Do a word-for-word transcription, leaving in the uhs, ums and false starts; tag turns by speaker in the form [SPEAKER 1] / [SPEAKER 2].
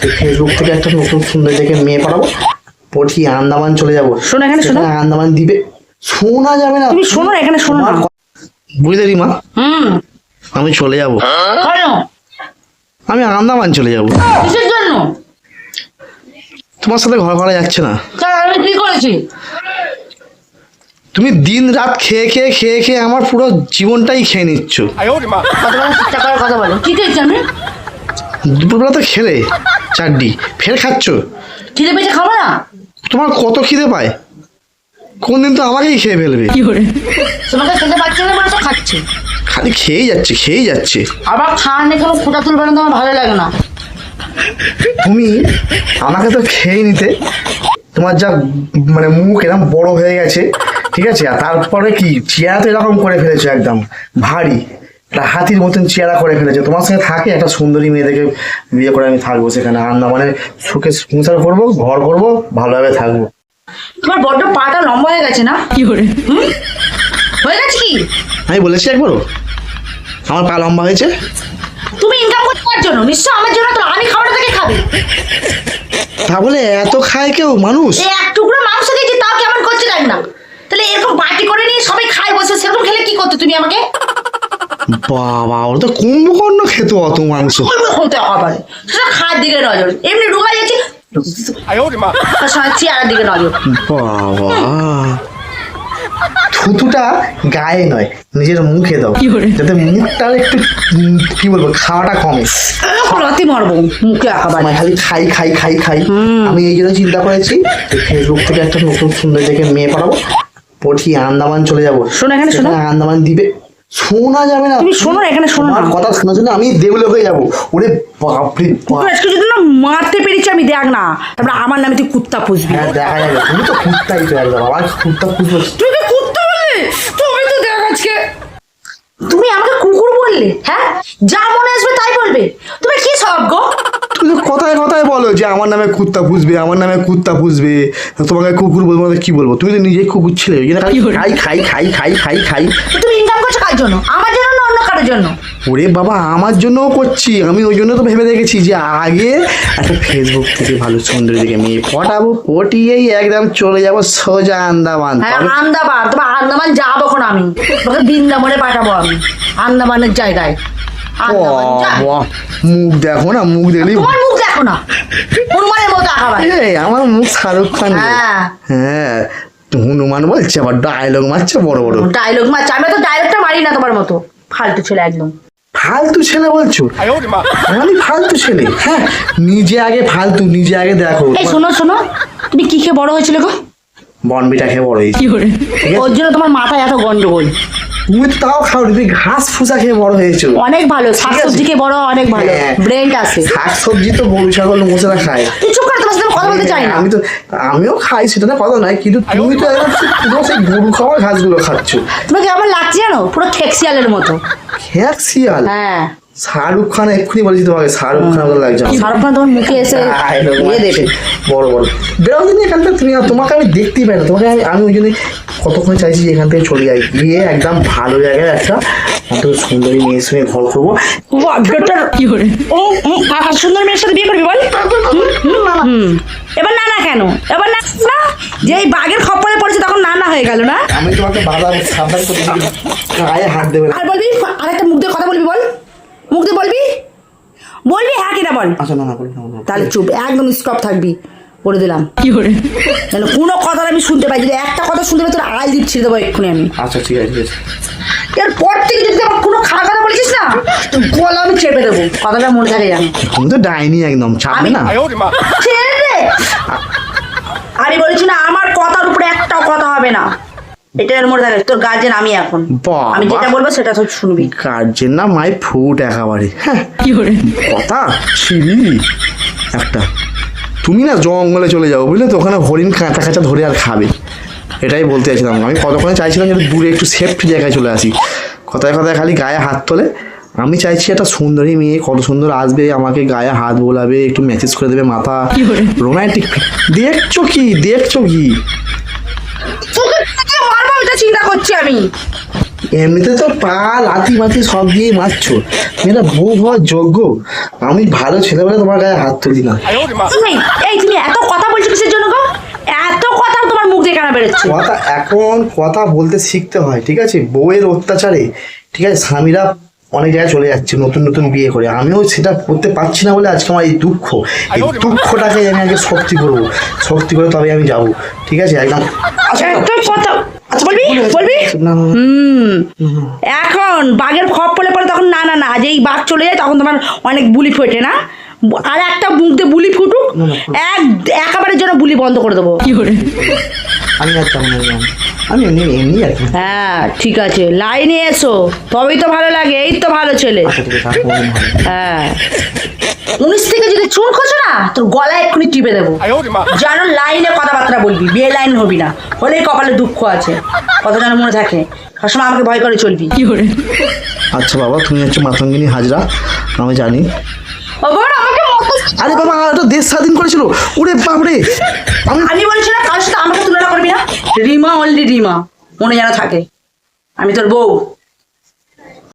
[SPEAKER 1] Facebook থেকে একটা নতুন সুন্দর দেখে মেয়ে পাঠাবো, পঠিয়ে আন্দামান চলে যাবো।
[SPEAKER 2] শোনো এখানে শোনো,
[SPEAKER 1] আন্দামান দ্বীপে শোনা যাবে না,
[SPEAKER 2] তুমি শোনো এখানে শোনো না,
[SPEAKER 1] বুঝলে রিমা?
[SPEAKER 2] হুম
[SPEAKER 1] আমি চলে যাবো,
[SPEAKER 2] কেন?
[SPEAKER 1] আমি আন্দামান চলে যাবো।
[SPEAKER 2] কিসের জন্য?
[SPEAKER 1] তোমার সাথে ঘর করা যাচ্ছে না।
[SPEAKER 2] তা আমি কি করেছি?
[SPEAKER 1] তুমি দিন রাত খেয়ে খেয়ে খেয়ে খেয়ে আমার পুরো জীবনটাই খেয়ে নিচ্ছ।
[SPEAKER 2] কতবার চিন্তা করার কথা বলো, কি খেয়েছি আমি?
[SPEAKER 1] দুপুরবেলা তো খেলে চারটি, ফের খাচ্ছ।
[SPEAKER 2] খিদে পেয়েছে, খাবো না?
[SPEAKER 1] তোমার কত খিদে পায়, কোন দিন তো আমাকেই খেয়ে ফেলবে।
[SPEAKER 2] তোমাকে খেতে পারছি না বলে তো খাচ্ছি।
[SPEAKER 1] খালি খেয়েই যাচ্ছে খেয়েই যাচ্ছে।
[SPEAKER 2] আবার খাওয়ার নিয়ে কোনো ফোটা তুলবে না, তোমার ভালো লাগে না।
[SPEAKER 1] তুমি আমাকে তো খেয়ে নিতে, তোমার যা মানে মুখ এরকম বড় হয়ে গেছে, ঠিক আছে, আর তারপরে কি চেহারা তো এরকম করে ফেলেছো, একদম ভারী একটা হাতির মতন চেহারা করে ফেলেছো। তোমার সঙ্গে থাকে একটা সুন্দরী মেয়ে দেখে বিয়ে করে আমি থাকবো সেখানে, আন্দামানে সুখে সংসার করবো, ঘর করবো, ভালোভাবে থাকবো।
[SPEAKER 2] তোমার বড্ড পাটা লম্বা হয়ে গেছে না? কি করে হয়ে গেছে? কি
[SPEAKER 1] আমি বলেছি একবারও আমার পা লম্বা হয়েছে?
[SPEAKER 2] তুমি ইনকাম করতে পারছো জন্য, নিশ্চয় আমার জন্য। তো আমি খাবারটা থেকে খাবে,
[SPEAKER 1] তা বলে এত খায় কেউ মানুষ?
[SPEAKER 2] এই এক টুকরো মাংস খেয়েছি, তাও কেমন করছে দেখ না। তাহলে এরকম বাটি করে নিয়ে সবাই খায় বসে, সেরকম খেলে কি করতে তুমি আমাকে?
[SPEAKER 1] বাবা, ওরা তো কুম্ভকর্ণ খেত অত মাংস।
[SPEAKER 2] হতে হবে সেটা খাওয়ার দিকে নজর, এমনি ঢুকা যাচ্ছে চেয়ারের দিকে নজর।
[SPEAKER 1] বাবা, থুতুটা গায়ে নয় নিজের মুখে দাও, যাতে মুখটার একটু উম, কি বলবো, খাওয়াটা কমে।
[SPEAKER 2] রাতে মারবো মুখে আঁকাবার।
[SPEAKER 1] মানে খালি খাই খাই খাই খাই। আমি এই জন্য চিন্তা করেছি ফেসবুক থেকে একটা নতুন সুন্দর দেখে মেয়ে পাঠাবো, পঠিয়ে আন্দামান চলে যাবো।
[SPEAKER 2] শোনো এখানে শোনো,
[SPEAKER 1] আন্দামান দ্বীপে শোনা যাবে না।
[SPEAKER 2] তুমি শোনো এখানে শোনো না,
[SPEAKER 1] কথা শোনার জন্য আমি দেউলে হয়ে যাবো। ওরে বাপরে বাপ,
[SPEAKER 2] আজকে যদি না মারতে পেরেছি আমি, দেখ না, তারপরে আমার নামে তুই কুত্তা পুষবি।
[SPEAKER 1] হ্যাঁ দেখা যাবে, তুমি তো কুত্তাই তো একদম, আমার কুত্তা পুষবো।
[SPEAKER 2] তুই কি কুত্তা বললি? তুমি তো দেখ আজকে তুমি আমাকে কুকুর বললে। হ্যাঁ, যা মনে আসবে তাই বলবে। তুমি কি সব গো?
[SPEAKER 1] তুমি তো কথায় কথায় বলো যে আমার নামে কুত্তা পুষবে, আমার নামে কুত্তা পুষবে, তোমাকে কুকুর বলবো না কি বলবো? তুমি তো নিজেই কুকুর ছিলে, ওই জন্য খাই খাই খাই খাই খাই খাই।
[SPEAKER 2] তুমি ইনকাম করছো কার জন্য? আমার জন্য না অন্য কারোর জন্য?
[SPEAKER 1] ওরে বাবা, আমার জন্যও করছি আমি, ওই জন্য তো ভেবে রেখেছি যে আগে একটা ফেসবুক থেকে ভালো সুন্দর দিকে মেয়ে পটাবো, পটিয়েই একদম চলে যাবো সোজা আন্দামান।
[SPEAKER 2] হ্যাঁ আন্দামান, তোমার আন্দামান যাবো এখন আমি, তোমাকে বৃন্দাবনে পাঠাবো আমি, আন্দামানের জায়গায়। আন্দামান যা।
[SPEAKER 1] বাহ, মুখ দেখো না, মুখ দেখলি
[SPEAKER 2] তোমার মুখ দেখো না, হনুমানের মতো আঁকাবার।
[SPEAKER 1] এই আমার মুখ শাহরুখ খান।
[SPEAKER 2] হ্যাঁ
[SPEAKER 1] হ্যাঁ, হনুমান বলছে আবার ডায়লগ মারছে বড় বড়।
[SPEAKER 2] ডায়লগ মারছে, আমি তো ডায়লগটা মারি না তোমার মতো, ফালতু ছেলে একদম।
[SPEAKER 1] ফালতু ছেলে বলছো? আমি ফালতু ছেলে? হ্যাঁ, নিজে আগে ফালতু, নিজে আগে দেখো।
[SPEAKER 2] এই শোনো শোনো, তুমি কি খেয়ে বড় হয়েছিল গো?
[SPEAKER 1] বনবিটা খেয়ে বড় হয়েছি।
[SPEAKER 2] ওর জন্য তোমার মাথায় এত গন্ডগোল।
[SPEAKER 1] তুমি তো তাও খাও, তুমি ঘাস ফুসা খেয়ে বড় হয়েছো।
[SPEAKER 2] অনেক ভালো, শাকসবজি খেয়ে বড় অনেক ভালো, ব্রেন আছে।
[SPEAKER 1] শাকসবজি তো গরু ছাগল মোষেরা খায়।
[SPEAKER 2] তুই চুপ করে, তোমার সাথে কথা বলতে চাই না।
[SPEAKER 1] আমি তো আমিও খাই, সেটা না কথা নয়, কিন্তু তুমি তো একদম পুরো সেই গরু খাওয়া ঘাসগুলো খাচ্ছ।
[SPEAKER 2] তোমাকে আমার লাগছে জানো, পুরো খেকশিয়ালের মতো।
[SPEAKER 1] খেকশিয়াল?
[SPEAKER 2] হ্যাঁ,
[SPEAKER 1] শাহরুখ খান এক্ষুনি বলেছি তোমাকে, শাহরুখ খান মতো লাগছে।
[SPEAKER 2] শাহরুখ খান তোমার মুখে এসে ইয়ে দেবে
[SPEAKER 1] বড় বড়। বেরো দিন এখান থেকে, তুমি তোমাকে আমি দেখতেই পাই না তোমাকে। আমি আমি ওই জন্য কতক্ষণ চাইছি যে এখান থেকে চলে যাই, গিয়ে একদম ভালো জায়গায় একটা অন্তত সুন্দরী মেয়ের সঙ্গে ঘর করবো।
[SPEAKER 2] কি করে সুন্দর মেয়ের সাথে বিয়ে করবি বল? এবার না না কেন? এবার না না, যে এই বাঘের খপ্পরে পড়েছে তখন না না হয়ে গেল না।
[SPEAKER 1] আমি তোমাকে বাধা সাবধান করতে গায়ে হাত দেবে না।
[SPEAKER 2] আর বলবি আরেকটা মুখ দিয়ে কথা বলবি, বল মুখ দিয়ে বলবি, বলবি হ্যাঁ কিনা বল।
[SPEAKER 1] আচ্ছা না না বলি না।
[SPEAKER 2] তাহলে চুপ, একদম স্টপ থাকবি, বলে দিলাম। কি করে যেন কোনো কথা আমি শুনতে পাই, যদি একটা কথা শুনতে পাই তোর আই দিপ ছিঁড়ে দেবো এক্ষুনি আমি।
[SPEAKER 1] আচ্ছা ঠিক আছে ঠিক আছে।
[SPEAKER 2] এরপর থেকে যদি আমার কোনো খারাপ কথা বলেছিস না, তো গলা আমি চেপে দেবো, কথাটা মনে থাকে জানি।
[SPEAKER 1] তুমি তো ডাইনি একদম, চাপবে না।
[SPEAKER 2] ছেড়ে দে। আমি বলেছি না, আমার কথার উপরে একটাও কথা হবে না, এটা এর মধ্যে থাকে। তোর গার্জেন আমি এখন, আমি যেটা বলবো সেটা তো শুনবি।
[SPEAKER 1] গার্জেন না মাই ফুট একেবারে। হ্যাঁ কি করে কথা ছিলি একটা। তুমি না জঙ্গলে চলে যাও বুঝলে তো, ওখানে হরিণ কাঁচা কাঁচা ধরে আর খাবে, এটাই বলতে চাইছিলাম। আমি কতক্ষণে চাইছিলাম যে দূরে একটু সেফটি জায়গায় চলে আসি, কথায় কথায় খালি গায়ে হাত তোলে। আমি চাইছি একটা সুন্দরী মেয়ে, কত সুন্দর আসবে, আমাকে গায়ে হাত বোলাবে, একটু ম্যাসেজ করে দেবে মাথা, রোমান্টিক। দেখছো কি দেখছো কি
[SPEAKER 2] মারবো, এটা চিন্তা করছি আমি।
[SPEAKER 1] এমনিতে তো পা লাথি মাথি সব দিয়ে মারছো, মেয়েরা বউ হওয়ার যোগ্য। আমি ভালো ছেলেবেলা তোমার গায়ে হাত তুলি না।
[SPEAKER 2] এই এই তুমি এত কথা বলছো কিসের জন্য গো? এত কথা তোমার মুখ দিয়ে কেন বেরোচ্ছে?
[SPEAKER 1] কথা এখন কথা বলতে শিখতে হয়, ঠিক আছে? বউয়ের অত্যাচারে, ঠিক আছে, স্বামীরা অনেক জায়গায় চলে যাচ্ছে নতুন নতুন বিয়ে করে। আমিও সেটা করতে পারছি না বলে আজকে আমার এই দুঃখ, এই দুঃখটাকে আমি আগে শক্তি করবো, শক্তি করে তবে আমি যাবো, ঠিক আছে? একদম আচ্ছা
[SPEAKER 2] কথা আচ্ছা বলবি বলবি
[SPEAKER 1] না,
[SPEAKER 2] হুম এখন বাঘের খপ পড়ে পড়ে তখন না না না যেই বাঘ চলে যায় তখন তোমার অনেক বুলি ফোটে না? আর একটা মুখ দিয়ে বুলি ফুটুক, এক একেবারে যেন বুলি বন্ধ করে দেবো। কি করে
[SPEAKER 1] আমি আর তেমন আমি এমনি এমনি আর কি।
[SPEAKER 2] হ্যাঁ ঠিক আছে, লাইনে এসো তবেই তো ভালো লাগে। এই তো ভালো ছেলে। হ্যাঁ উনিশ থেকে যদি চুন খোঁজো না তোর গলায় এক্ষুনি টিপে দেবো। যেন লাইনে কথাবার্তা বলবি, বিয়ে লাইন হবি না, হলেই কপালে দুঃখ আছে, কথা যেন মনে থাকে। সবসময় আমাকে ভয় করে চলবি। কি করে?
[SPEAKER 1] আচ্ছা বাবা, তুমি হচ্ছে মাতঙ্গিনী হাজরা, আমি জানি। আরে বাবা, এটা দেশ স্বাধীন করেছিল। ওরে বাপরে, আমি
[SPEAKER 2] আমি বলছি না কারোর সাথে আমাকে তুলনা করবি না। রিমা অনলি রিমা, মনে যেন থাকে আমি তোর বউ।